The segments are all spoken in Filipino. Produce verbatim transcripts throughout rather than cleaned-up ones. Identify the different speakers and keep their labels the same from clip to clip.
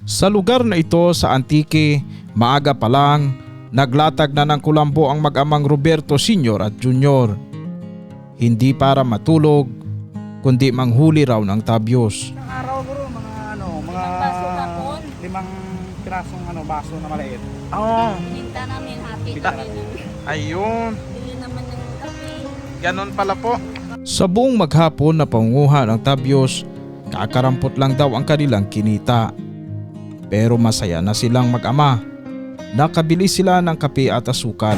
Speaker 1: Sa lugar na ito sa Antique, maaga pa lang, naglatag na ng kulambo ang mag-amang Roberto Senior at Junior. Hindi para matulog, kundi manghuli raw ng tabyos.
Speaker 2: Isang araw bro, mga ano, mga
Speaker 3: Limang baso hapon.
Speaker 2: limang pirasong ano, baso na maliit.
Speaker 4: Oo.
Speaker 3: Hinta namin, hati
Speaker 4: Ta-
Speaker 3: namin.
Speaker 4: Ayun.
Speaker 3: Bili naman ng kape.
Speaker 4: Ganon pala po.
Speaker 1: Sa buong maghapon na pangunguha ng tabyos, kakarampot lang daw ang kanilang kinita. Pero masaya na silang mag-ama. Nakabili sila ng kape at asukal.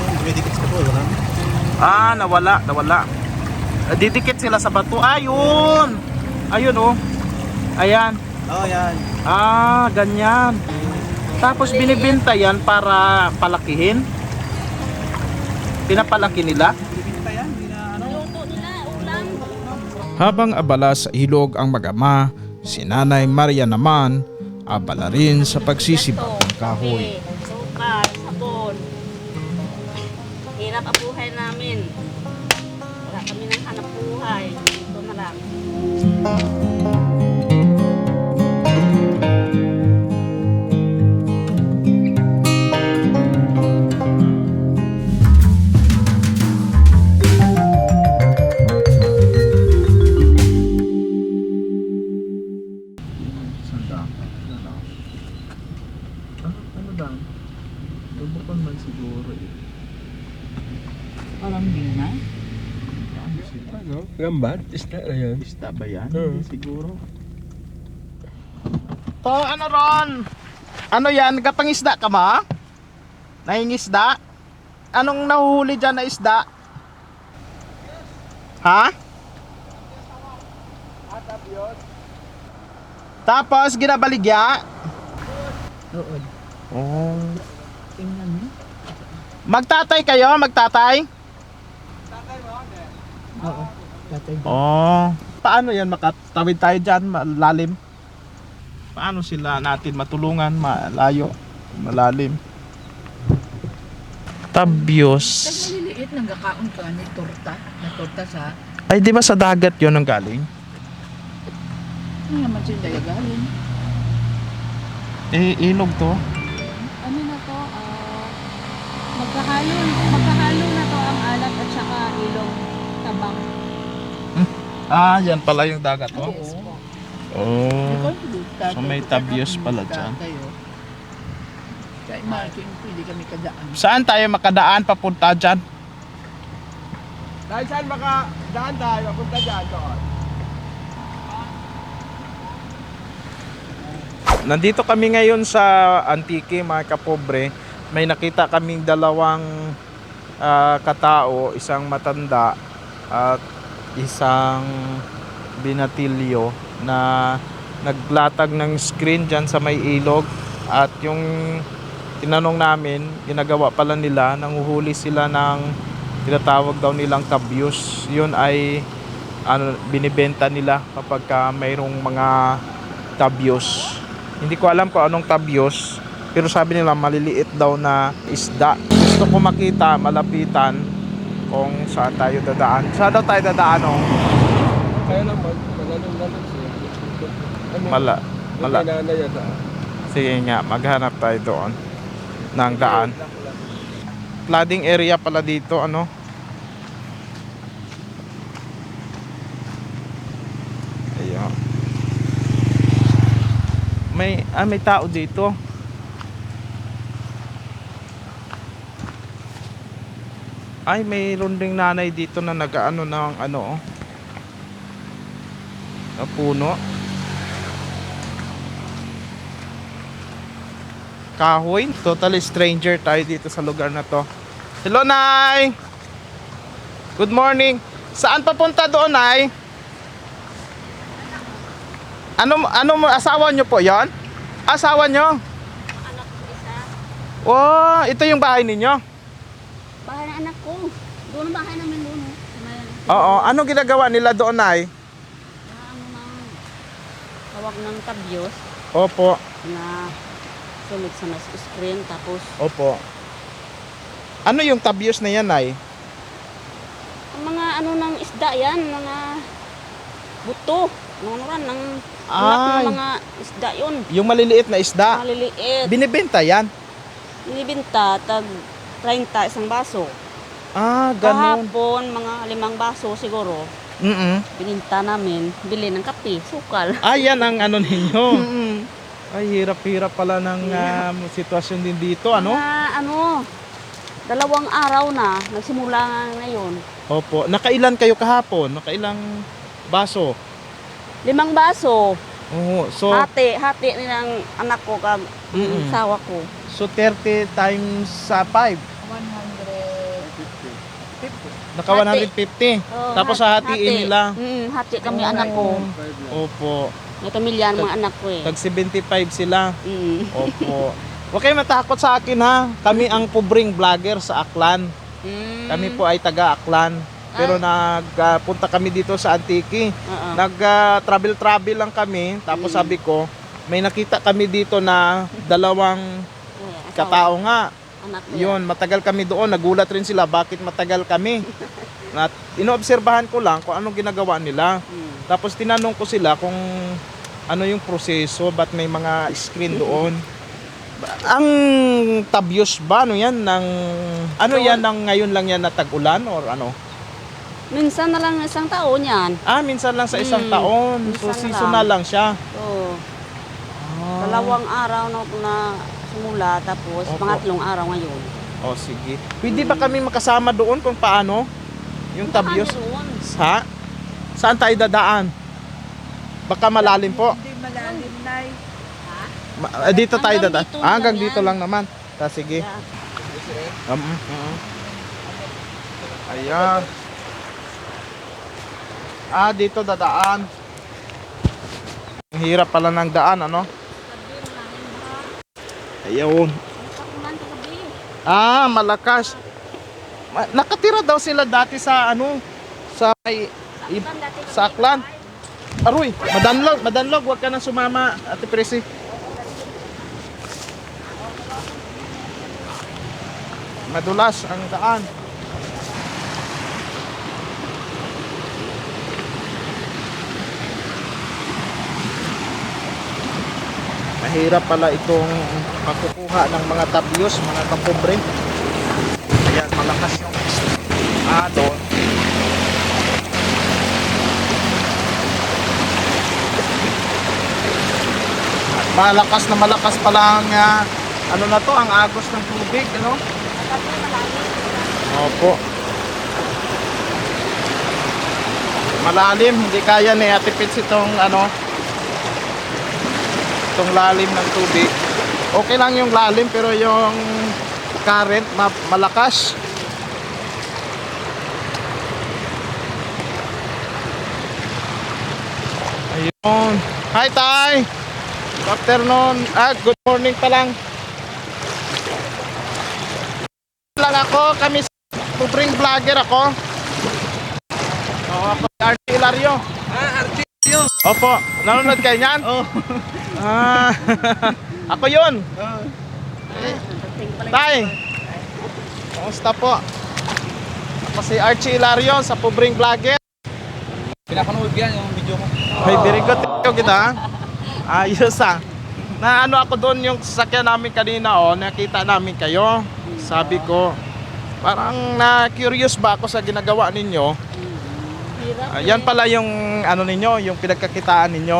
Speaker 4: Ah, nawala, nawala. Ah, Didikit sila sa bato. Ayun. Ayun oh. Ayan.
Speaker 2: Oh, yan.
Speaker 4: Ah, ganyan. Tapos binibenta yan para palakihin. Pinapalaki nila.
Speaker 2: Bibinta yan, hindi na ano.
Speaker 3: Luto nila, ulam.
Speaker 1: Habang abala sa ilog ang mag-ama, si Nanay Maria naman abala rin sa pagsisibak ng kahoy.
Speaker 3: Kape, sukal, sabon. Hirap ang buhay namin. Wala kami ng hanap buhay. Ito na lang.
Speaker 4: Sanda. Ah, ano daw? Lubukon man siguro eh.
Speaker 2: Parang hindi na.
Speaker 5: Ano? Gambar? Isda na yan.
Speaker 4: Isda ba yan?
Speaker 5: Oo.
Speaker 4: Hindi siguro. To, ano ron? Ano yan? Kapangisda ka ba? Nahingisda? Anong nahuhuli dyan na isda? Ha? Tapos ginabaligya?
Speaker 2: Oo.
Speaker 4: Oh.
Speaker 2: Tingnan mo.
Speaker 4: Magtatay kayo? Magtatay?
Speaker 2: Oo. Tatay.
Speaker 4: Oh. Paano yan makatawid tayo dyan? Malalim? Paano sila natin matulungan? Malayo? Malalim? Tabyos.
Speaker 6: Maliliit nang gakaon ka ni torta, na torta sa
Speaker 4: Ay, di ba sa dagat yun ang galing?
Speaker 6: ano naman siya dayagaling.
Speaker 4: Eh, ilog to.
Speaker 7: Ano na to, ah, magkahalo, magkahalo na to ang alat at saka ilong tabang.
Speaker 4: Ah, yan pala yung dagat to.
Speaker 6: Yes po.
Speaker 4: Oh.
Speaker 6: Ikaw,
Speaker 4: So, may tabyos pala dyan.
Speaker 6: Kaya imagine, pwede kami kadaan.
Speaker 4: Saan tayo makadaan papunta dyan?
Speaker 5: Dahil saan maka daan tayo? Punta dyan doon.
Speaker 4: Nandito kami ngayon sa Antique, mga kapobre. May nakita kaming dalawang ah, katao, isang matanda at isang binatilyo na naglatag ng screen dyan sa may ilog. At yung tinanong namin, ginagawa pala nila, nanguhuli sila ng tinatawag daw nilang tabyos. Yun ay ano, binibenta nila kapag ka mayroong mga tabyos. Hindi ko alam kung anong tabyos, pero sabi nila maliliit daw na isda. Gusto ko makita, malapitan kung saan tayo dadaan. Saan daw tayo dadaan oh?
Speaker 5: Kaya naman, malalong-lalong siya. Ano?
Speaker 4: Mala, mala.
Speaker 5: May nanay yan ah.
Speaker 4: Sige nga, maghanap tayo doon ng daan. Flooding area pala dito, ano? Ayun. May, ah, may tao dito. Ay, mayroon ding nanay dito na nag-ano ng ano, oh. Na puno. Kahoy. Totally stranger tayo dito sa lugar na to. Hello, Nay! Good morning. Saan papunta doon, Nay? Ano, ano mo, asawa nyo po yon? Asawa nyo?
Speaker 3: Anak ko isa.
Speaker 4: Oh, ito yung bahay ninyo?
Speaker 3: Bahay ng anak ko. Doon ang bahay namin doon. oh. Sa may-
Speaker 4: Oo. Ano ginagawa nila doon, Nay?
Speaker 3: Na ano nang tawag ng tabyos
Speaker 4: Opo.
Speaker 3: na sumit sa mas screen tapos
Speaker 4: Opo. Ano yung tabyos na yan, Nay?
Speaker 3: ang mga ano ng isda yan, mga buto, mga ano ran, ng Anak
Speaker 4: Ay,
Speaker 3: ng mga isda yun.
Speaker 4: yung maliliit na isda.
Speaker 3: Maliliit.
Speaker 4: Binibenta yan?
Speaker 3: Binibinta, tag treinta isang baso.
Speaker 4: Ah, ganun.
Speaker 3: Kahapon, mga limang baso siguro.
Speaker 4: Mm-mm.
Speaker 3: Bininta namin, bili ng kape, sukal.
Speaker 4: Ah, yan ang ano ninyo.
Speaker 3: Mm-mm.
Speaker 4: Ay, hirap-hirap pala ng ah, sitwasyon din dito, ano?
Speaker 3: Mga ano, dalawang araw na, nagsimula nga ngayon.
Speaker 4: Opo. Nakailan kayo kahapon? Nakailang baso?
Speaker 3: Limang baso,
Speaker 4: Oo. So,
Speaker 3: hati, hati nilang anak ko, kag
Speaker 4: Mm-mm.
Speaker 3: sawa ko.
Speaker 4: so thirty times sa five.
Speaker 6: one fifty.
Speaker 4: Naka one hundred fifty.
Speaker 3: Oh,
Speaker 4: Tapos
Speaker 3: hat-
Speaker 4: hahatiin nila.
Speaker 3: Mm, hati kami anak ko.
Speaker 4: Opo.
Speaker 3: May pamilya ang mga anak ko eh.
Speaker 4: Tag seventy-five sila.
Speaker 3: Mm.
Speaker 4: Opo. Huwag kayo matakot sa akin ha. Kami ang pobreng vlogger sa Aklan.
Speaker 3: Mm.
Speaker 4: Kami po ay taga Aklan. Pero nagpunta kami dito sa Antique.
Speaker 3: Oo.
Speaker 4: Nag-travel-travel lang kami. Tapos
Speaker 3: Mm.
Speaker 4: sabi ko, may nakita kami dito na dalawang
Speaker 3: Eh, asawa,
Speaker 4: katao nga.
Speaker 3: anak ko
Speaker 4: Yun, matagal kami doon. Nagulat rin sila bakit matagal kami. At inoobserbahan ko lang kung anong ginagawa nila.
Speaker 3: Mm.
Speaker 4: Tapos tinanong ko sila kung ano yung proseso, ba't may mga screen doon. Ang tabyos ba, ano yan? Ng, ano yan, ng ngayon lang yan na tag-ulan or ano?
Speaker 3: Minsan na lang isang taon yan.
Speaker 4: Ah, minsan lang sa isang
Speaker 3: Mm,
Speaker 4: taon. So,
Speaker 3: minsan
Speaker 4: seasonal lang siya.
Speaker 3: So,
Speaker 4: Ah.
Speaker 3: dalawang araw na, na simula, tapos
Speaker 4: Opo.
Speaker 3: pangatlong araw ngayon.
Speaker 4: Oh, sige. Pwede ba kami makasama doon kung paano? Yung tabyos?
Speaker 3: Saan yun?
Speaker 4: Ha? Saan tayo dadaan? Baka malalim po.
Speaker 6: Hindi malalim, Nay.
Speaker 4: Ma- ah, dito tayo
Speaker 3: Hanggang
Speaker 4: dadaan.
Speaker 3: dito
Speaker 4: Ah, hanggang
Speaker 3: lang
Speaker 4: dito
Speaker 3: yan.
Speaker 4: lang naman. Ta, sige.
Speaker 3: Yeah.
Speaker 4: Um, mm, mm. Ayan. Ah, dito dadaan. Ang hirap pala ng daan, ano? Ayun. Ah, malakas. Ma- Nakatira daw sila dati sa ano? Sa may i- sa Aklan. Aroy, madanlog, madanlog, wag ka nang sumama, Ate Presi. Madulas ang daan. Mahirap pala itong pagkukuha ng mga tabyos, mga kapobre. Ayan, malakas yung alon. At malakas na malakas pala ang ah, ano na to, ang agos ng tubig, ano? Opo. Malalim, hindi kaya ni Ate Pits itong ano, itong lalim ng tubig. Okay lang yung lalim pero yung current ma- malakas. Ayun. Hi Tay. Good afternoon. Ah, good morning pa lang. Lang ako, kami pobreng vlogger ako. Oo, ako si R T Ilario.
Speaker 5: Ah, Artio.
Speaker 4: Opo, nanonood kayo niyan?
Speaker 5: Oh.
Speaker 4: Ah, ako yun. Tay, kamusta po? Ako si Archie Ilario sa Pobreng Vlogger.
Speaker 5: Pinapanood yan yung video ko.
Speaker 4: May very good thank you kita. Ayos ah. Na ano ako doon yung sasakyan namin kanina oh, nakita namin kayo. Sabi ko, parang na-curious ba ako sa ginagawa ninyo?
Speaker 3: Hirap
Speaker 4: Ayan pala yung ano ninyo, yung pinagkakitaan ninyo.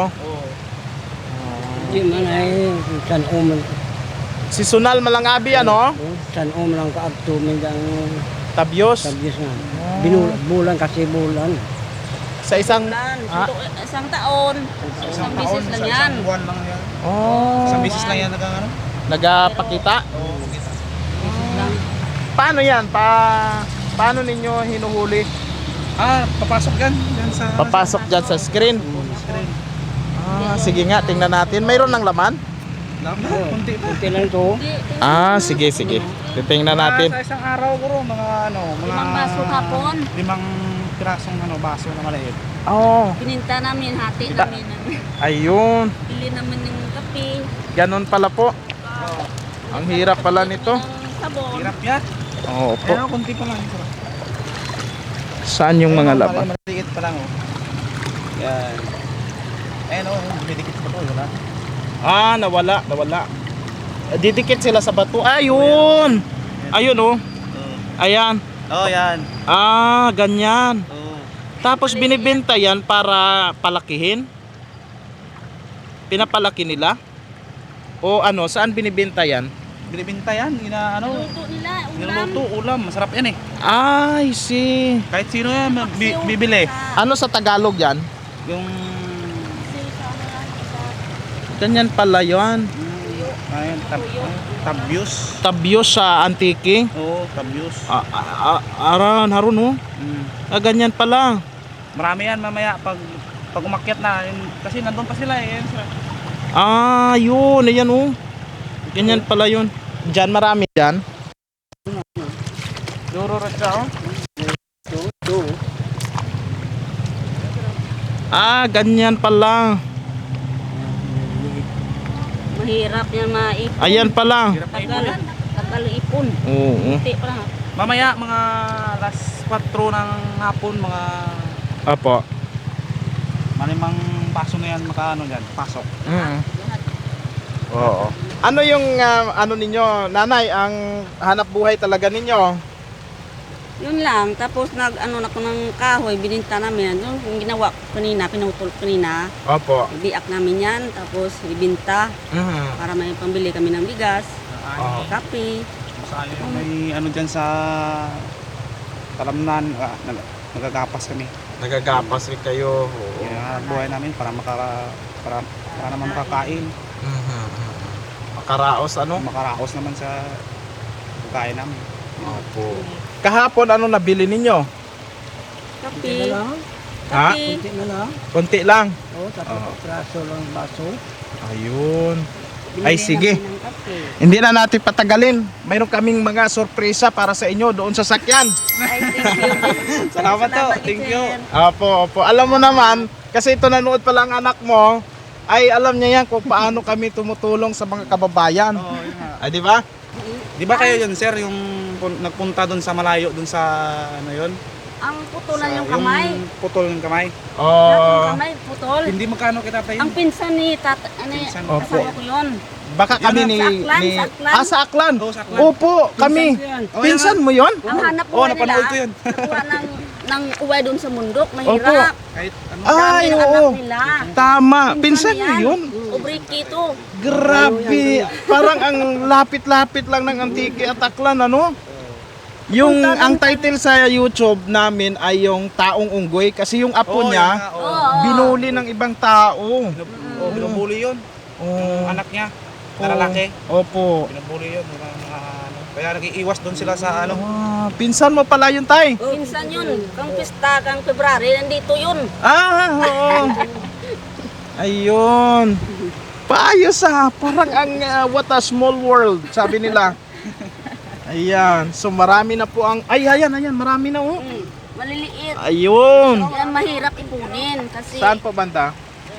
Speaker 8: Di man ay san uman
Speaker 4: Seasonal malangabi ano?
Speaker 8: san uman lang kaagto min ang
Speaker 4: Tabyos.
Speaker 8: tagyos na. Binulan bulan kasi bulan.
Speaker 4: Sa isang
Speaker 3: Bulan,
Speaker 4: Ah.
Speaker 3: ito, isang taon. Isang bisis lang yan.
Speaker 5: buwan lang yan.
Speaker 4: Oh,
Speaker 5: Isang bisis lang yan nagang ano?
Speaker 4: nagapakita.
Speaker 5: Oo, kita.
Speaker 3: Bisis lang.
Speaker 4: Paano yan? Pa paano ninyo hinuhuli?
Speaker 5: Ah, papasok yan. Yan sa...
Speaker 4: Papasok dyan sa screen.
Speaker 5: screen.
Speaker 4: Ah, sige nga, tingnan natin. Mayroon ng laman?
Speaker 5: Laman, kunti pa.
Speaker 8: Kunti lang to.
Speaker 4: Ah, sige, sige. Titingnan natin.
Speaker 5: Sa isang araw ko ro, mga ano, mga...
Speaker 3: Limang baso hapon.
Speaker 5: Limang pirasong ano, baso na maliit.
Speaker 4: Oh,
Speaker 3: Pininta namin, hati
Speaker 4: Kita.
Speaker 3: namin.
Speaker 4: ayun.
Speaker 3: Bili naman yung kape.
Speaker 4: Ganon pala po. Ang hirap pala nito.
Speaker 3: Ng sabon.
Speaker 5: Hirap yan.
Speaker 4: Oo po.
Speaker 5: Pero kunti pa lang. Ito.
Speaker 4: Saan yung mga
Speaker 5: Ayun,
Speaker 4: laman?
Speaker 5: Maliit pa lang oh. Yan. Eh, no, dumidikit sa bato, yun ha?
Speaker 4: Ah, nawala, nawala. Eh, Didikit sila sa bato. Ayun! Ayun oh. Ayan.
Speaker 5: Oo, oh, yan.
Speaker 4: Ah, ganyan.
Speaker 5: Oo.
Speaker 4: Tapos binibenta yan para palakihin? Pinapalaki nila? O ano, saan binibenta yan?
Speaker 5: Binibinta yan, ina, ano,
Speaker 3: Luto nila, ulam.
Speaker 5: niluluto, ulam, masarap yan eh.
Speaker 4: I see.
Speaker 5: Kahit sino yan, bi- bibili.
Speaker 4: Ano sa Tagalog yan?
Speaker 5: Yung,
Speaker 4: Ganyan pala yan.
Speaker 5: ayun, tab, tabyos.
Speaker 4: Tabyos sa Antique.
Speaker 5: Oo, tabyos.
Speaker 4: Ah, ah, ah, aran, harun oh.
Speaker 5: Mm.
Speaker 4: Ah, ganyan pala.
Speaker 5: Marami yan mamaya pag pag umakyat na, yun, kasi nandun pa sila eh. Yan, sila.
Speaker 4: Ah, yun. Ayan oh. Ganyan pala yun. Diyan marami dyan.
Speaker 5: Duro rin siya, oh.
Speaker 4: Ah, ganyan pala.
Speaker 3: Mahirap yan maipon.
Speaker 4: Ayan pala.
Speaker 5: Hirap na ipon
Speaker 3: Tagal,
Speaker 5: yan.
Speaker 3: tagal ipon.
Speaker 4: Oo.
Speaker 3: Hindi pa lang.
Speaker 5: Mamaya, mga alas kwatro ng hapon, mga
Speaker 4: Apo.
Speaker 5: malimang paso na yan, makaano dyan, pasok.
Speaker 4: Mm. Oo. Ano yung ah, ano ninyo, nanay, ang hanap buhay talaga ninyo?
Speaker 3: Yun lang. Tapos nag ano na ko ng kahoy, bininta namin. Yun yung ginawa ko kanina, pinutol ko kanina.
Speaker 4: Opo.
Speaker 3: Ibiak namin yan. Tapos ibinta
Speaker 4: Mhm.
Speaker 3: para may pambili kami ng bigas,
Speaker 4: Oo.
Speaker 3: kape.
Speaker 5: Masaya yung may ano dyan sa talamnan, ah, nag nagagapas kami.
Speaker 4: Nagagapas rin kayo. Oo.
Speaker 5: Yung hanap buhay namin para makara para, para naman makakain.
Speaker 4: Mhm. Makaraos ano?
Speaker 5: Makaraos naman sa pagkain namin.
Speaker 4: Opo. Kahapon ano nabili ninyo?
Speaker 3: Kape.
Speaker 4: Ha?
Speaker 3: Kape.
Speaker 8: Kunti na lang.
Speaker 4: Konti lang.
Speaker 8: Oo, tapos
Speaker 4: Oo.
Speaker 8: praso lang baso.
Speaker 4: Ayun.
Speaker 3: Binili
Speaker 4: Ay, sige.
Speaker 3: namin ng kape.
Speaker 4: Hindi na natin patagalin. Mayroon kaming mga sorpresa para sa inyo doon sa sakyan.
Speaker 3: Ay, thank you.
Speaker 5: Salamat to. Thank you.
Speaker 3: sir.
Speaker 4: Opo, opo. Alam mo naman, kasi ito nanood pa lang anak mo, ay alam niya yan kung paano kami tumutulong sa mga kababayan.
Speaker 5: Oo, yun nga.
Speaker 4: Ay, di ba?
Speaker 5: Di ba kayo yun, sir, yung pun- nagpunta doon sa malayo, doon sa ano yun?
Speaker 3: Ang putulan
Speaker 5: Sa-
Speaker 3: yung kamay.
Speaker 5: Yung putol ng kamay.
Speaker 3: Lahat
Speaker 4: Oh,
Speaker 3: ng kamay, putol.
Speaker 5: Hindi magkano kita tayo.
Speaker 3: Ang pinsan ni tat ano,
Speaker 5: Pinsan.
Speaker 4: Opo.
Speaker 3: kasama ko yun.
Speaker 4: baka kami
Speaker 3: Yun,
Speaker 4: ni,
Speaker 3: sa Aklan,
Speaker 4: ni
Speaker 3: sa Aklan.
Speaker 4: Ah, sa Aklan.
Speaker 5: Oo, sa Aklan.
Speaker 4: Opo, kami.
Speaker 5: Oh,
Speaker 4: Pinsan mo 'yon?
Speaker 3: Ang hanap
Speaker 5: Oo,
Speaker 3: buhay
Speaker 5: napanood
Speaker 3: nila,
Speaker 5: ko yun.
Speaker 3: nakuha ng, ng uwi doon sa mundok, mahirap.
Speaker 5: Kahit ano.
Speaker 4: Ay,
Speaker 3: Dami ng
Speaker 4: oo.
Speaker 3: anak nila.
Speaker 4: Tama. Pinsan mo
Speaker 3: yan.
Speaker 4: 'yun?
Speaker 3: Ubriki to.
Speaker 4: Grabe. Parang ang lapit-lapit lang ng Antique at Aklan, ano? Yung ang title sa YouTube namin ay yung Taong Unggoy kasi yung apo
Speaker 5: Oo,
Speaker 4: niya
Speaker 5: yun nga, oo.
Speaker 3: Oo.
Speaker 4: binuli ng ibang tao.
Speaker 5: Oo, binubuli yun.
Speaker 4: Oh.
Speaker 5: Yung anak niya, na lalaki.
Speaker 4: Opo.
Speaker 5: Binubuli yun. Mga, mga, ano. Kaya nag-iiwas doon sila sa ano.
Speaker 4: Ah, pinsan mo pala yun, tay.
Speaker 3: Pinsan yun. Kang pista, kang February, nandito yun.
Speaker 4: Ah, oo. Ayun. Paayos ah. Parang ang ah, what a small world, sabi nila. Ayan. So marami na po ang... Ay, ayan, ayan. Marami na oh.
Speaker 3: Hmm. Maliliit.
Speaker 4: Ayun.
Speaker 3: Yan mahirap ipunin kasi
Speaker 4: Saan po banda?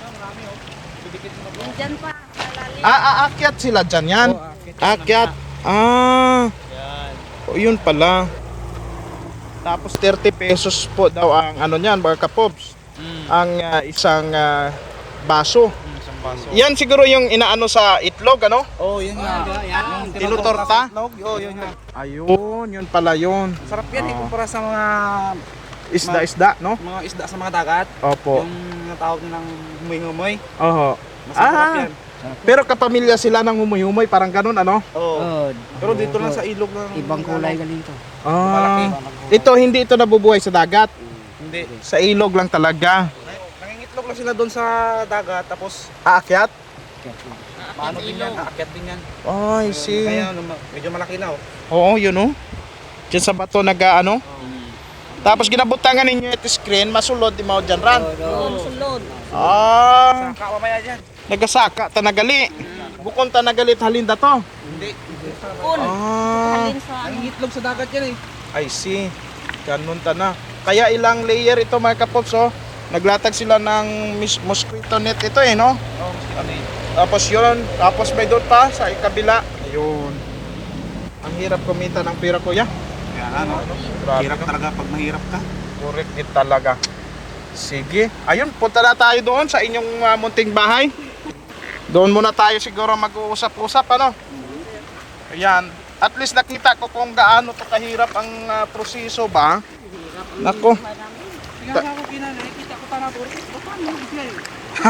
Speaker 3: yung dyan pa. Malalim.
Speaker 4: Ah, aakyat sila dyan yan. Akyat. Ah. O, yun pala. Tapos thirty pesos po daw ang ano niyan, mga kapops. Ang ah, isang ah, baso.
Speaker 5: Isang baso.
Speaker 4: Yan siguro yung inaano sa itlog, ano?
Speaker 5: Oo, yun nga. Yung
Speaker 4: Tinutorta?
Speaker 5: Oo, yun nga.
Speaker 4: Ayun, yun pala yun.
Speaker 5: Sarap yan, ikumpara sa mga
Speaker 4: Isda-isda, no?
Speaker 5: mga isda sa mga dagat.
Speaker 4: Opo.
Speaker 5: Yung natawag nilang humoy-humoy.
Speaker 4: Oho.
Speaker 5: Mas masarap
Speaker 4: Ah.
Speaker 5: yan.
Speaker 4: Pero kapamilya sila ng humuy-humoy, parang ganun, ano?
Speaker 5: Oo.
Speaker 8: Oo.
Speaker 5: Pero dito lang sa ilog ng
Speaker 8: Ibang kulay galing to.
Speaker 5: Malaki.
Speaker 4: Ah. Ito, hindi ito nabubuhay sa dagat.
Speaker 5: Hindi.
Speaker 4: Sa ilog lang talaga.
Speaker 5: Nangingitlog lang sila doon sa dagat tapos
Speaker 4: Aakyat?
Speaker 5: paano din yan, aakyat din yan.
Speaker 4: Oh, I see.
Speaker 5: Kaya ano, ma- medyo malaki na oh.
Speaker 4: Oo, yun oh. Diyan sa bato nag-ano. Tapos ginabutangan ninyo ito screen, masulod di mao dyan ran.
Speaker 3: Doon sulod.
Speaker 4: Ah,
Speaker 5: Saka mamaya dyan.
Speaker 4: nagasaka tanagali. Bukon tanagali halinda to.
Speaker 5: Hindi.
Speaker 3: Kun.
Speaker 4: Ah,
Speaker 3: Halin sa ano.
Speaker 5: Nangingitlog sa dagat yan eh.
Speaker 4: I see. Ganun ta na. Kaya ilang layer ito mga kapops oh. Naglatag sila ng mis- mosquito net ito eh no.
Speaker 5: Oo, mas ano eh.
Speaker 4: Tapos yun, tapos may doon pa sa ikabila. Ayun. Ang hirap kumita ng pera kuya.
Speaker 5: Kaya ano,
Speaker 4: Grabe.
Speaker 5: hirap talaga pag mahirap ka.
Speaker 4: Correct it talaga. Sige. Ayun, punta na tayo doon sa inyong ah, munting bahay. Doon muna tayo siguro mag-uusap-usap, ano? Ayan. At least nakita ko kung gaano to kahirap ang ah, proseso ba. Nako.
Speaker 5: Kaya ako kinanay, kita ko para po. Baka mo siya eh.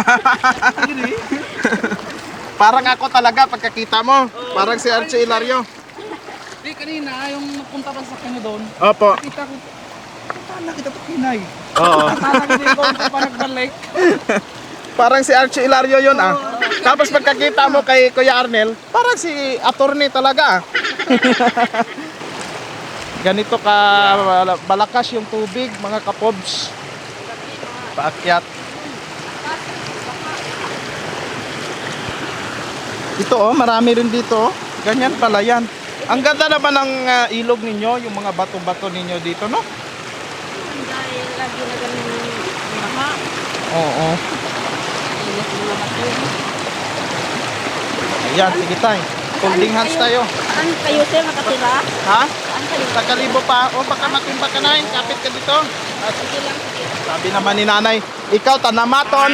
Speaker 4: Parang ako talaga pagkakita mo. Parang si Archie Hilario.
Speaker 5: Di kanina, yung napunta pa sa kanya doon,
Speaker 4: Opo.
Speaker 5: kita ko, saan nakita ko kinay?
Speaker 4: Oo.
Speaker 5: Saan nakita ko pa nagbalik?
Speaker 4: Parang si Archie Hilario yun ah. Tapos pagkakita mo kay Kuya Arnel, parang si attorney talaga ah. Ganito ka balakas yung tubig mga kapobs. Paakyat. Ito oh, marami rin dito oh. Ganyan pala yan. Ang ganda naman ng ah, ilog ninyo, yung mga bato-bato ninyo dito, no?
Speaker 3: Dahil lagi na kami ng baha.
Speaker 4: Oo.
Speaker 3: Init mga bato.
Speaker 4: Ayan, sige tayo. Holding hands tayo.
Speaker 3: Saan kayo sir nakatira?
Speaker 4: Ha?
Speaker 3: Saan kayo?
Speaker 4: Sa kalibo pa. O baka matimba ka na, kapit ka dito. At
Speaker 3: Sige lang, sige.
Speaker 4: sabi naman ni nanay, ikaw tanamaton.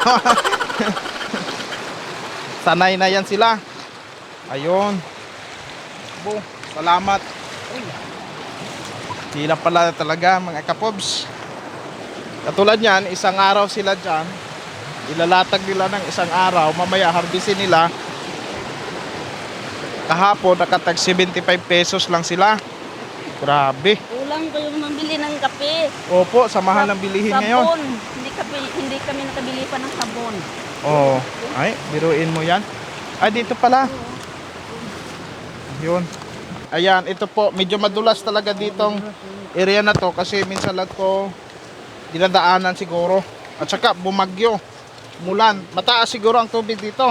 Speaker 4: Sanay na yan sila. Ayun. Bo, salamat. Hila pala talaga mga kapobs. Katulad yan, isang araw sila dyan. Ilalatag nila ng isang araw. Mamaya harbisin nila. Kahapon nakatag seventy-five pesos lang sila. Grabe.
Speaker 3: Kulang kayo mambili ng kape.
Speaker 4: Opo, sa mahal ng bilihin ngayon.
Speaker 3: Sabon. Hindi, kape, hindi kami nakabili pa ng sabon.
Speaker 4: Oo. Ay, biruin mo yan. Ay, dito pala. Yun. Ayan, ito po. Medyo madulas talaga ditong area na to kasi minsan lang to dinadaanan siguro. At saka bumagyo. Mulan. Mataas siguro ang tubig dito.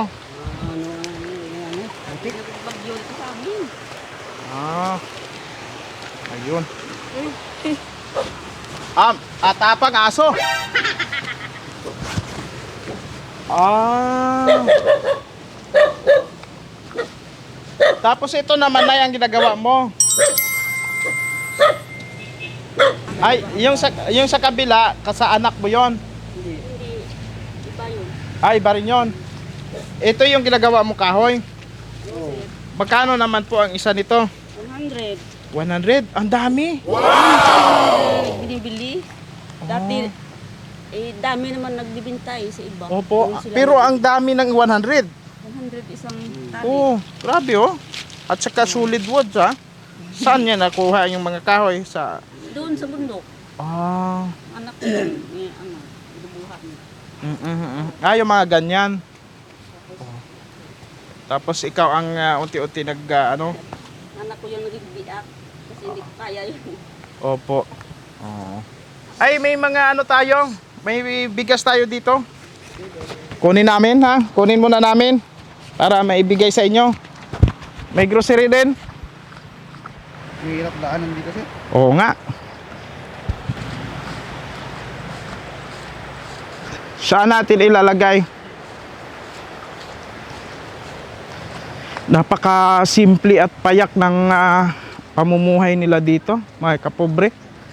Speaker 3: Bagyo ito sa amin.
Speaker 4: Ah. Ayun. Ah, atapang aso. Ah. Tapos ito naman na yung ginagawa mo. Ay, yung sa yung sa kabila, sa anak mo 'yon.
Speaker 3: Hindi. Iba yun.
Speaker 4: Ay, iba rin 'yon. Ito yung ginagawa mo kahoy. Magkano naman po ang isa nito?
Speaker 3: one hundred.
Speaker 4: one hundred? Ang dami.
Speaker 3: Wow! Binibili. Dati, eh, dami naman nagbibintay sa iba.
Speaker 4: Opo,
Speaker 3: Doon sila
Speaker 4: pero
Speaker 3: nag-
Speaker 4: ang dami ng one hundred.
Speaker 3: one hundred isang tali.
Speaker 4: Oh, grabe oh. At saka solid woods ha. Saan niya nakuha yung mga kahoy? Sa
Speaker 3: Doon sa bundok.
Speaker 4: Ah,
Speaker 3: Anak ko yun. May ano, binubuhat niya.
Speaker 4: mm, mm, mm. Ah, yung mga ganyan. Oh. Tapos ikaw ang ah, unti-unti nag ah, ano?
Speaker 3: Anak ko yung nagbibiak. Kasi hindi ko kaya yun.
Speaker 4: Opo. Oo. Ay, may mga ano tayo. May bigas tayo dito. Kunin namin ha. Kunin muna namin para maibigay sa inyo. May grocery din.
Speaker 5: Mahirap daanan dito sir.
Speaker 4: Oo nga. Saan natin ilalagay? Napaka simple at payak ng ah, pamumuhay nila dito, mga kapobre.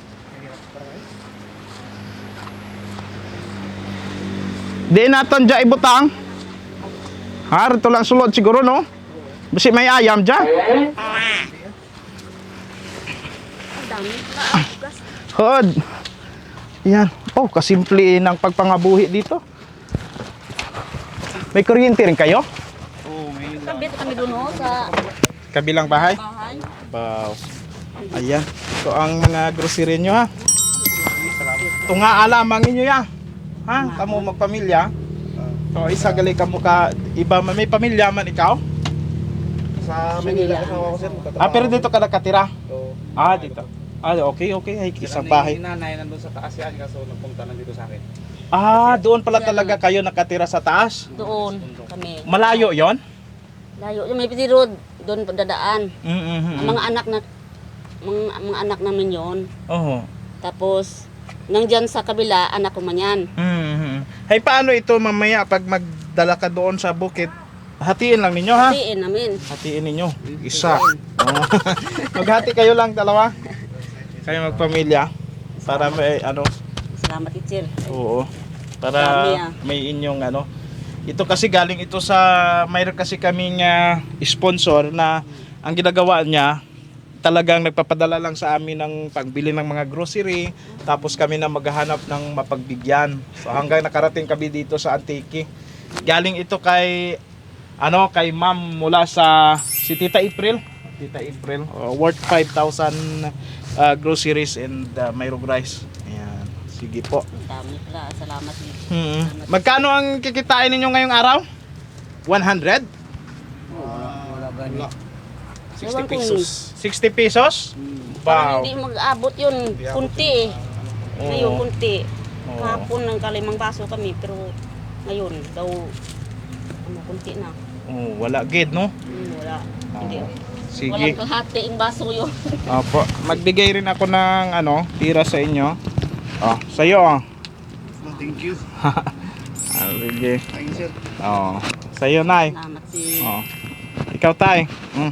Speaker 4: Di natin dyan ibutang. Ha, rito lang sulod siguro no? Basi may ayam dyan.
Speaker 3: Ang dami. Naagas.
Speaker 4: Hod. Yan. Oh, kasimple ng pagpangabuhi dito. May kuryente rin kayo?
Speaker 3: Kabit kami doon oh, sa
Speaker 4: Kabilang bahay?
Speaker 3: bahay.
Speaker 4: Wow. Ayan. Ito ang mga grocery nyo ha. Ito nga alamang inyo ya. Ha? Kamu magpamilya. So isa gali ka mo ka iba man may pamilya man ikaw?
Speaker 5: Sa Manila, kasama ko sir.
Speaker 4: Ah, pero dito ka nakatira?
Speaker 5: Oo.
Speaker 4: Ah, dito. Ah, okay, okay. Ay, isang bahay.
Speaker 5: Nanay nandun sa taas yan, kaso nagpunta lang dito sa akin.
Speaker 4: Ah, doon pala talaga kayo nakatira sa taas?
Speaker 3: Doon kami.
Speaker 4: Malayo yon?
Speaker 3: Layo. Yung may piti road. Doon dadaan.
Speaker 4: Mm-hmm.
Speaker 3: Ang mga anak na mga, mga anak namin yon.
Speaker 4: Oo.
Speaker 3: Tapos nandyan sa kabila anak ko man yan.
Speaker 4: Mm-hmm. Hey, paano ito mamaya pag magdala ka doon sa bukid? Hatiin lang ninyo ha?
Speaker 3: Hatiin namin.
Speaker 4: Hatiin ninyo. Isa. Oh. Maghati kayo lang dalawa. Kayo magpamilya para may ano.
Speaker 3: Salamat, teacher.
Speaker 4: Oo. Para
Speaker 3: Dami, ah.
Speaker 4: may inyong ano. Ito kasi galing ito sa mayroon kasi kaming ah, sponsor na ang ginagawa niya talagang nagpapadala lang sa amin ng pagbili ng mga grocery, tapos kami na maghahanap ng mapagbigyan. So hanggang nakarating kami dito sa Antique. Galing ito kay ano kay ma'am mula sa si Tita April. Tita April, uh, worth five thousand uh, groceries and uh, mayroong rice. Ayan. Sige po.
Speaker 3: Dami pala. Salamat.
Speaker 4: Hmm. Magkano ang kikitain ninyo ngayong araw? one hundred?
Speaker 8: Wala gani.
Speaker 3: sixty pesos.
Speaker 4: sixty pesos?
Speaker 3: Parang
Speaker 4: Wow.
Speaker 3: hindi mag-abot yun. Kunti eh. Ngayon,
Speaker 4: Oo.
Speaker 3: kunti.
Speaker 4: Oo.
Speaker 3: Kahapon ng kalimang baso kami, pero ngayon daw, ano, kunti na.
Speaker 4: Oh, wala gid no?
Speaker 3: Hmm, wala. Hindi.
Speaker 4: Sige.
Speaker 3: Walang kalahati yung baso yun.
Speaker 4: Opo, magbigay rin ako ng ano, tira sa inyo. Oh, sa iyo oh.
Speaker 5: Thank you.
Speaker 4: Ah, sige.
Speaker 5: Thank you, sir.
Speaker 4: Oh, sa iyo nay.
Speaker 3: Salamat si...
Speaker 4: Oh. Ikaw tay. Mm.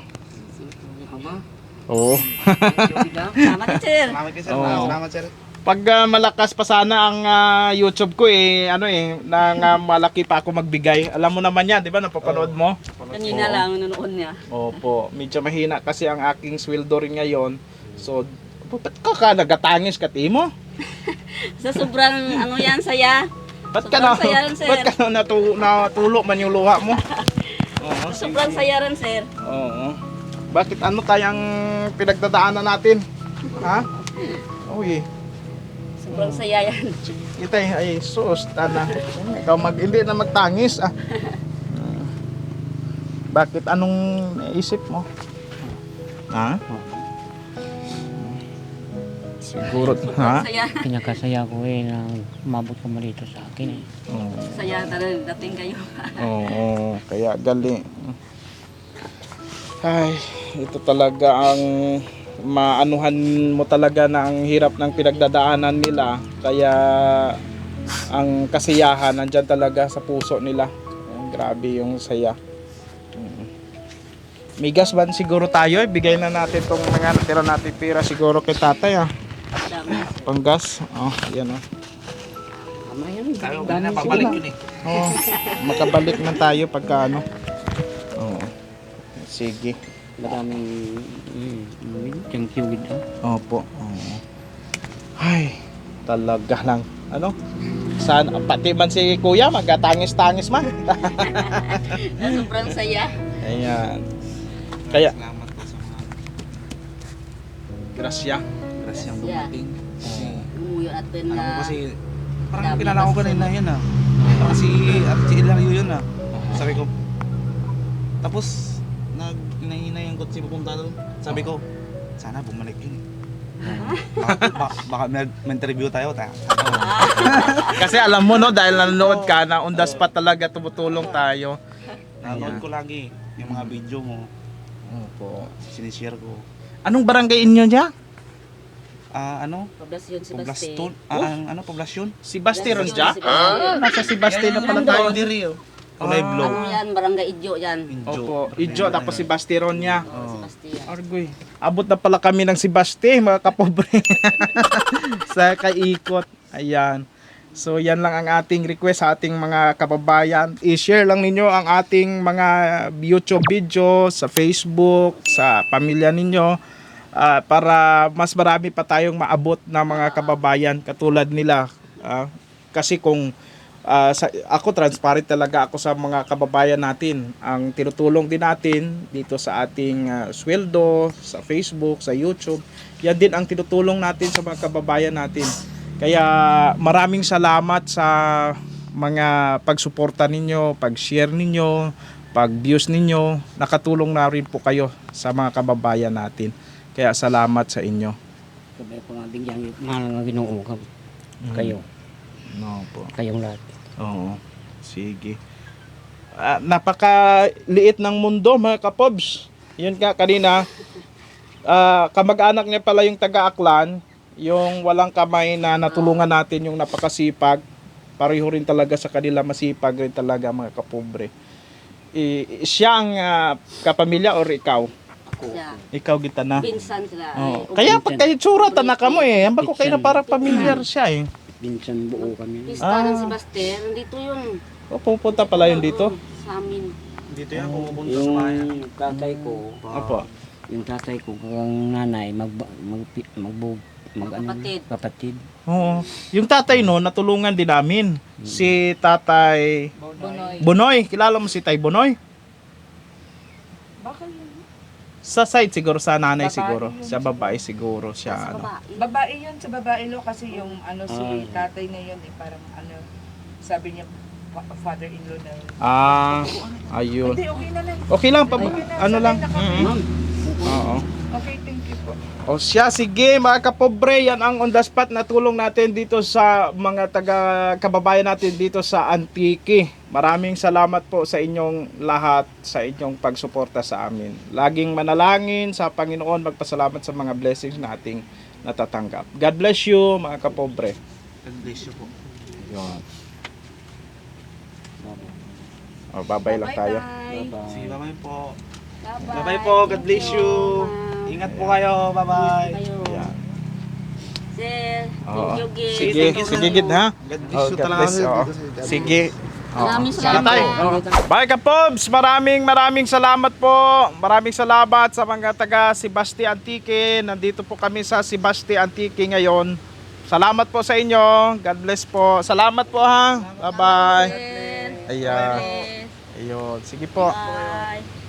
Speaker 4: Oo.
Speaker 3: Salamat, teacher.
Speaker 5: Salamat kayo, sir.
Speaker 4: Oo.
Speaker 5: Salamat, sir.
Speaker 4: Pag ah, malakas pa sana ang ah, YouTube ko eh, ano eh, nang ah, malaki pa ako magbigay. Alam mo naman 'yan, 'di ba? Napapanood mo?
Speaker 3: Kanina
Speaker 4: Oo.
Speaker 3: lang nanonood niya.
Speaker 4: Opo, medyo mahina kasi ang aking sweldo rin ngayon. So, ba't ka ka nagatangis ka timo?
Speaker 3: Sa sobrang ano yan, saya.
Speaker 4: Ba't ka na,
Speaker 3: Sobrang saya rin, sir.
Speaker 4: ba't ka na natu, natulo man yung luha mo? Oo,
Speaker 3: Sa sobrang saya rin, sir.
Speaker 4: Oo. Bakit ano tayang pinagdadaanan natin? Ha? Uy,
Speaker 3: Sobrang saya yan.
Speaker 4: kita ay sus, tana. Ikaw mag, hindi na magtangis ah. Bakit anong naisip mo? Ha? Siguro, ha?
Speaker 3: Saya.
Speaker 8: Pinakasaya ko eh na umabot ka malito sa akin eh.
Speaker 4: Oo.
Speaker 3: Saya talaga dating kayo.
Speaker 4: Oo, kaya gali. Ay, ito talaga ang maanuhan mo talaga na ang hirap ng pinagdadaanan nila. Kaya ang kasiyahan nandyan talaga sa puso nila. Ayan, grabe yung saya. Mm. May gas ba siguro tayo? Eh? Bigay na natin tong mga natira natin pira siguro kay tatay ah.
Speaker 3: Dami.
Speaker 4: Panggas. Oh, yan oh.
Speaker 8: Tama yan.
Speaker 5: Tayo, na pabalik yun eh.
Speaker 4: Oo, makabalik na tayo pagka ano. Oo. Sige.
Speaker 8: Maraming mm, thank you with that.
Speaker 4: Opo. Oo. Ay, talaga lang. Ano? Sana, pati man si kuya, magkatangis-tangis man.
Speaker 3: Na sobrang saya.
Speaker 4: Ayan. Kaya,
Speaker 5: Salamat po sa mga
Speaker 4: grasya.
Speaker 5: grasyang
Speaker 3: Yeah.
Speaker 5: dumating. Kasi,
Speaker 3: Umuyo natin
Speaker 5: alam
Speaker 3: na...
Speaker 5: mo kasi, parang
Speaker 3: Dami
Speaker 5: kilala ko
Speaker 3: basta.
Speaker 5: kanina yun ah. Parang si Ate si Ilario yun ah. Sabi ko, tapos, nag, hinahinay yung kotse pupunta doon. Sabi ko, sana bumalik yun eh. baka, baka, baka may, may interview tayo. Ta.
Speaker 4: Kasi alam mo no, dahil nanonood ka na, on the spot talaga tumutulong tayo.
Speaker 5: Nanonood ko lagi yung mga video mo.
Speaker 4: Opo.
Speaker 5: Sinishare ko.
Speaker 4: Anong barangay inyo niya?
Speaker 5: Ah, ano?
Speaker 3: Poblasyon si Basti.
Speaker 5: Poblaston? Ah, ang ano, poblasyon?
Speaker 4: Si Basti ron
Speaker 3: Poblasyon
Speaker 4: siya?
Speaker 3: si Basti.
Speaker 4: Ah, nasa si Basti na pala tayo.
Speaker 5: diri oh. Kulay
Speaker 4: Ah.
Speaker 5: blue.
Speaker 3: Ano yan, barangay Idyo yan.
Speaker 5: Injo.
Speaker 4: Opo, Ijo, tapos si Basti ron niya.
Speaker 3: Oh. Si Basti yan.
Speaker 4: Argoy. Abot na pala kami ng si Basti, mga kapobre. Sa kaikot. Ayan. So yan lang ang ating request sa ating mga kababayan. I-share lang ninyo ang ating mga YouTube video sa Facebook, sa pamilya ninyo, ah, para mas marami pa tayong maabot na mga kababayan katulad nila. Ah, kasi kung ah, sa, ako transparent talaga ako sa mga kababayan natin. Ang tinutulong din natin dito sa ating ah, sweldo, sa Facebook, sa YouTube, yan din ang tinutulong natin sa mga kababayan natin. Kaya maraming salamat sa mga pagsuporta ninyo, pag-share ninyo, pag-views ninyo. Nakatulong na rin po kayo sa mga kababayan natin. Kaya salamat sa inyo.
Speaker 8: Sabi ko nga bigyan mahal nga Ginoo ka. Kayo,
Speaker 4: No po.
Speaker 8: kayong lahat.
Speaker 4: Oo. Sige. Ah, napakaliit ng mundo mga kapobs. Yun nga kanina, ah, kamag-anak niya pala yung taga-Aklan, yung walang kamay na natulungan natin, yung napakasipag. Pareho rin talaga sa kanila, masipag rin talaga mga kapobre. I, siya ang ah, kapamilya or ikaw?
Speaker 3: Siya.
Speaker 4: Ikaw kita na.
Speaker 3: Pinsan sila.
Speaker 4: Oh.
Speaker 3: Ay,
Speaker 4: Kaya pag kayo tsura, tanaka mo eh. Ang bako kayo na
Speaker 8: Pinsan.
Speaker 4: parang pamilyar siya eh.
Speaker 8: Minsan buo kami.
Speaker 3: Pista
Speaker 4: Ah.
Speaker 3: ng Sebastian, nandito yun.
Speaker 4: O, pupunta pala yun dito?
Speaker 3: Oo, sa amin.
Speaker 5: Dito yan, pumupunta sa bayan.
Speaker 8: Yung tatay ko,
Speaker 4: Opo.
Speaker 8: yung tatay ko, kang nanay, mag, mag, mag, mag, mag, ano,
Speaker 3: Kapatid.
Speaker 8: kapatid.
Speaker 4: Oo. Yung tatay no, natulungan din namin. Si Tatay
Speaker 6: Bonoy.
Speaker 4: Bonoy. Kilala mo si Tay Bonoy?
Speaker 6: Bakit yun?
Speaker 4: Sa side siguro, sa nanay
Speaker 6: Babae
Speaker 4: siguro.
Speaker 6: yun
Speaker 4: Sa babae siguro siya.
Speaker 3: Sa
Speaker 4: Ano.
Speaker 3: babae.
Speaker 6: Babae yun, sa babae lo kasi yung ano si
Speaker 8: Ah.
Speaker 6: tatay na yun eh, parang ano, sabi niya fa- father-in-law na yun.
Speaker 4: Ah, ayun.
Speaker 6: Hindi, okay na lang.
Speaker 4: Okay lang, pa,
Speaker 6: Okay na,
Speaker 4: ano
Speaker 6: sanay
Speaker 4: lang.
Speaker 6: na kami.
Speaker 4: Mm-mm. Oo.
Speaker 6: Okay, thank you po.
Speaker 4: O siya, sige mga kapobre, yan ang on the spot na tulong natin dito sa mga taga kababayan natin dito sa Antique. Maraming salamat po sa inyong lahat, sa inyong pagsuporta sa amin. Laging manalangin sa Panginoon, magpasalamat sa mga blessings nating natatanggap. God bless you mga kapobre.
Speaker 5: God bless you po.
Speaker 4: Yun. O, bye-bye lang tayo.
Speaker 3: Bye-bye.
Speaker 5: Sige, bye-bye po.
Speaker 3: Bye-bye.
Speaker 5: Bye-bye po. God bless you. Ingat po kayo. Bye-bye.
Speaker 3: Kayo.
Speaker 4: Yan.
Speaker 3: Sir,
Speaker 4: Oo.
Speaker 3: thank you, Gid.
Speaker 4: Sige,
Speaker 3: Thank you,
Speaker 4: sige
Speaker 3: Gid.
Speaker 4: gid ha.
Speaker 5: God bless
Speaker 4: Oh,
Speaker 5: you
Speaker 4: God
Speaker 5: talaga.
Speaker 4: bless, oo. Sige. Oo.
Speaker 3: Maraming
Speaker 4: Sige
Speaker 3: salamat.
Speaker 4: tayo. Bye ka Pobs, maraming maraming salamat po. Maraming salamat sa mga taga Sebasti Antique. Nandito po kami sa Sebasti Antique ngayon. Salamat po sa inyo. God bless po. Salamat po ha. Bye bye.
Speaker 3: Sir.
Speaker 4: Ayan.
Speaker 3: Bless.
Speaker 4: Ayun. Sige po.
Speaker 3: Bye.